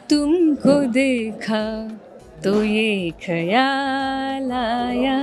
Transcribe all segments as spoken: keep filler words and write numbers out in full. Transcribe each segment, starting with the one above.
तुमको देखा तो ये ख्याल आया,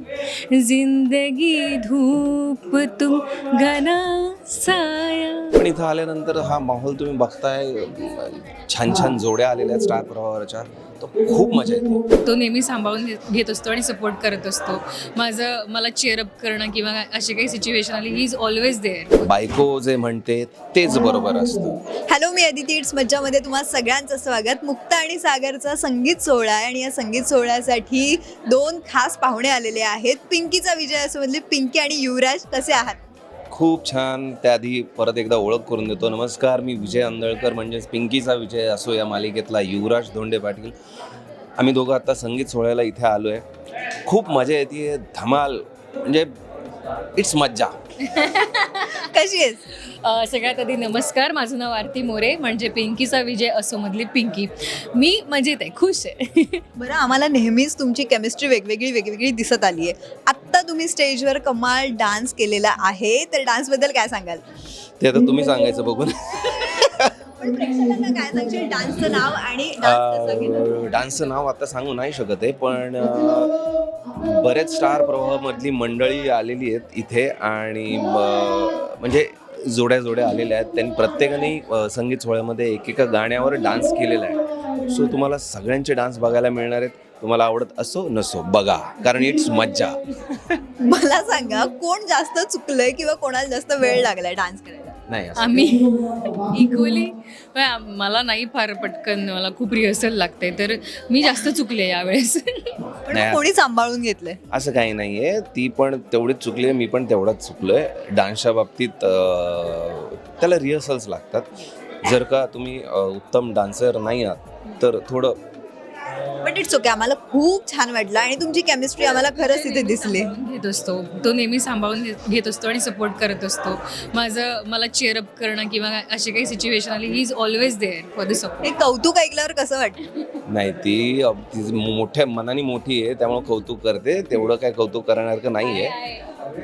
जिंदगी धूप तुम घना साया. पण इथं आल्यानंतर हा माहोल तुम्ही बघताय, छान छान जोड्या आलेल्या आहेत स्टार प्रवाहाच्या, तो खूप मजा येते. तो नेहमी सांभाळून घे- घेत असतो आणि सपोर्ट करत असतो. माझं मला चेअरअप करणं किंवा अशी काही सिच्युएशन आली, ही इज ऑलवेज देअर. बायको जे म्हणते तेच बरोबर असतं. हॅलो, मी अदिती. इट्स मज्जामध्ये तुम्हा सगळ्यांचं स्वागत. मुक्ता आणि सागरचा संगीत सोहळा आहे आणि या संगीत सोहळ्यासाठी दोन खास पाहुणे आलेले आहेत. पिंकीचा विजय असो मधले पिंकी आणि युवराज. कसे आहात? खूप छान. त्याआधी परत एकदा ओळख करून देतो. नमस्कार, मी विजय अंदळकर, म्हणजेच पिंकीचा विजय असो या मालिकेतला युवराज धोंडे पाटील. आम्ही दोघं आता संगीत सोहळ्याला इथे आलो आहे. खूप मजा येते, धमाल, म्हणजे इट्स मज्जा. कशी आहेस? अ, सगळ्यात आधी नमस्कार, माझं नाव आरती मोरे, म्हणजे पिंकीचा विजय असो मधली पिंकी. मी मजेत आहे, खुश आहे. बरं, आम्हाला नेहमीच तुमची केमिस्ट्री वेगवेगळी वेगवेगळी दिसत आली आहे. आत्ता तुम्ही स्टेजवर कमाल डान्स केलेला आहे, तर डान्सबद्दल काय सांगाल? ते आता तुम्ही सांगायचं बघून. पण प्रेक्षकांना काय सांगशील डान्सचं नाव आणि डान्स कसा केला? डान्सचं नाव आता सांगू नाही शकत आहे, पण अ, बरेच स्टार प्रवाहामधली मंडळी आलेली आहेत इथे आणि म- म्हणजे जोड्या जोड्या आलेल्या आहेत. त्यांनी प्रत्येकाने अ, संगीत सोहळ्यामध्ये एकेका गाण्यावर डान्स केलेला आहे. सो तुम्हाला सगळ्यांचे डान्स बघायला मिळणार आहेत. तुम्हाला आवडत असो नसो, बघा, कारण इट्स मज्जा. मला सांगा, कोण जास्त चुकलंय किंवा कोणाला जास्त वेळ लागलाय डान्स करायला? नाही असं आम्ही इक्वली, मला नाही फार पटकन, मला खूप रिहर्सल लागते, तर मी जास्त चुकले यावेळेस. पण नाही. मग कोणी सांभाळून घेतलंय? असं काही नाही आहे. ती पण तेवढीच चुकली आहे, मी पण तेवढाच चुकलो आहे. डान्सच्या बाबतीत अ, त्याला रिहर्सल्स लागतात. जर का तुम्ही अ, उत्तम डान्सर नाही आहात तर थोडं. But it's okay. आम्हाला खूप छान वाटलं आणि तुमची केमिस्ट्री आम्हाला खरंच तिथे दिसली. घेत असतो, तो नेहमी सांभाळून घे- घेत असतो आणि सपोर्ट करत असतो. माझं मला चेअरअप करणं किंवा अशी काही सिच्युएशन आली, he is always there for the support. हे कौतुक ऐकल्यावर कसं वाटतं? नाही, ती अ, ती मोठ्या मनाने मोठी आहे, त्यामुळे कौतुक करते. तेवढं काय कौतुक करण्यासारखं नाही आहे.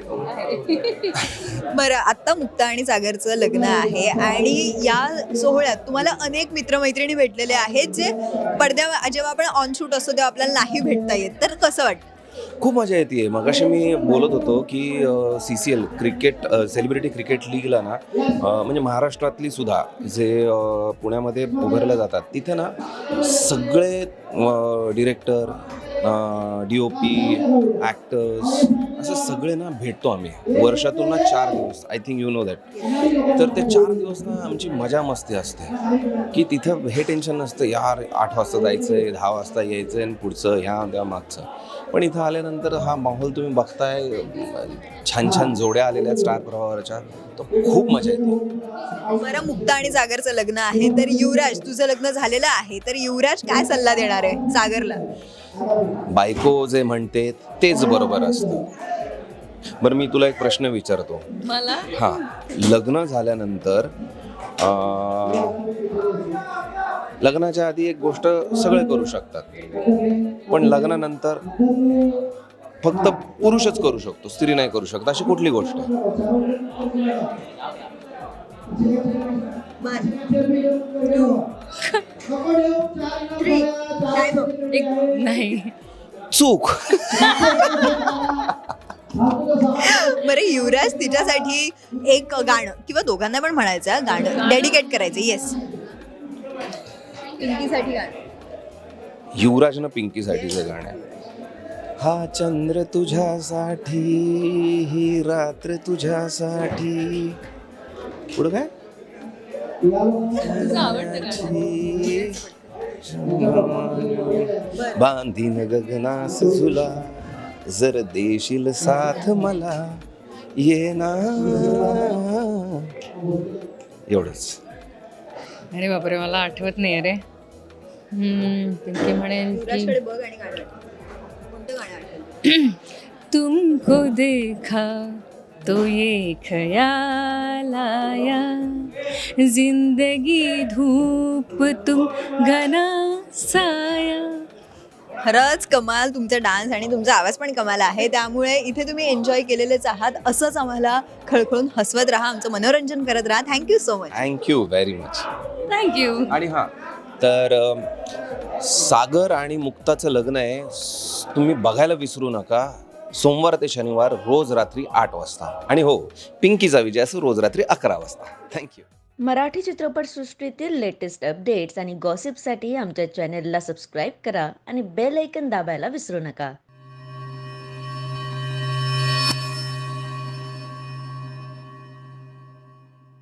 बरं, आत्ता मुक्ता आणि सागरचं लग्न आहे आणि या सोहळ्यात तुम्हाला अनेक मित्रमैत्रिणी भेटलेले आहेत जे पडद्या जेव्हा आपण ऑन शूट असतो तेव्हा आपल्याला नाही भेटता येत, तर कसं वाटतं? खूप मजा येते. मगाशी मी बोलत होतो की C C L cricket celebrity cricket लीगला ना, अ, म्हणजे महाराष्ट्रातली सुद्धा जे अ, पुण्यामध्ये उभारल्या जातात, तिथे ना सगळे director, D O P, actors, असं सगळे ना भेटतो आम्ही वर्षातून ना चार दिवस. I think you know that. तर ते चार दिवस ना आमची मजा मस्ती असते की तिथं हे टेन्शन नसतं, यार आठ वाजता जायचं आहे, दहा वाजता यायचं आहे आणि पुढचं ह्या त्या मागचं. पण इथं आल्यानंतर हा माहोल तुम्ही बघताय, छान छान जोड्या आलेल्या आहेत स्टार प्रवाहाच्या, तो खूप मजा येते. बरं, मुक्ता आणि सागरचं लग्न आहे, तर युवराज तुझं लग्न झालेलं आहे, तर युवराज काय सल्ला देणार आहे सागरला? बायको जे म्हणते तेच बरोबर असतं. बरं, मी तुला एक प्रश्न विचारतो. मला हां, लग्न झाल्यानंतर अं, लग्नाच्या आधी एक गोष्ट सगळे करू शकतात, पण लग्नानंतर फक्त पुरुषच करू शकतो, स्त्री नाही करू शकत. अशी कुठली गोष्ट आहे? One, two, three. काय बघ? एक नाही. चूक. बरं, युवराज तिच्यासाठी एक गाणं किंवा दोघांना पण म्हणायचं आहे, गाणं डेडिकेट करायचं. येस, पिंकीसाठी गाणं. युवराजनं पिंकीसाठीचं गाणं आहे. हा चंद्र तुझ्यासाठी, ही रात्र तुझ्यासाठी. पुढं काय? तुझं आवडतं गाणं. बांधीन गगनास झुला, जर देशील साथ मला, ये ना. एवढंच. अरे बापरे, मला आठवत नाही. अरे हम्म, पिंकी म्हणेल की युवराजकडे बघ आणि गाणं आठव. कोणतं गाणं आठवलं? तुमको देखा तो ये ख्याल आया, जिंदगी धूप तुम घना साया. खरंच कमाल तुमचा डान्स आणि तुमचा आवाज पण कमाल आहे, त्यामुळे इथे तुम्ही एन्जॉय केलेलेच आहात. असंच आम्हाला खळखळून हसवत राहा, आमचं मनोरंजन करत राहा. Thank you so much. Thank you very much. Thank you. आणि हां, तर अ, सागर आणि मुक्ताचं लग्न आहे, स- तुम्ही बघायला विसरू नका. सोमवार ते शनिवार रोज रात्री आठ वाजता. आणि हो, पिंकीचा विजय असं रोज रात्री अकरा वाजता. थँक्यू. मराठी चित्रपटसृष्टीतील लेटेस्ट अपडेट्स आणि गॉसिपसाठी आमच्या चॅनेलला सबस्क्राईब करा आणि बेल ऐकन दाबायला विसरू नका.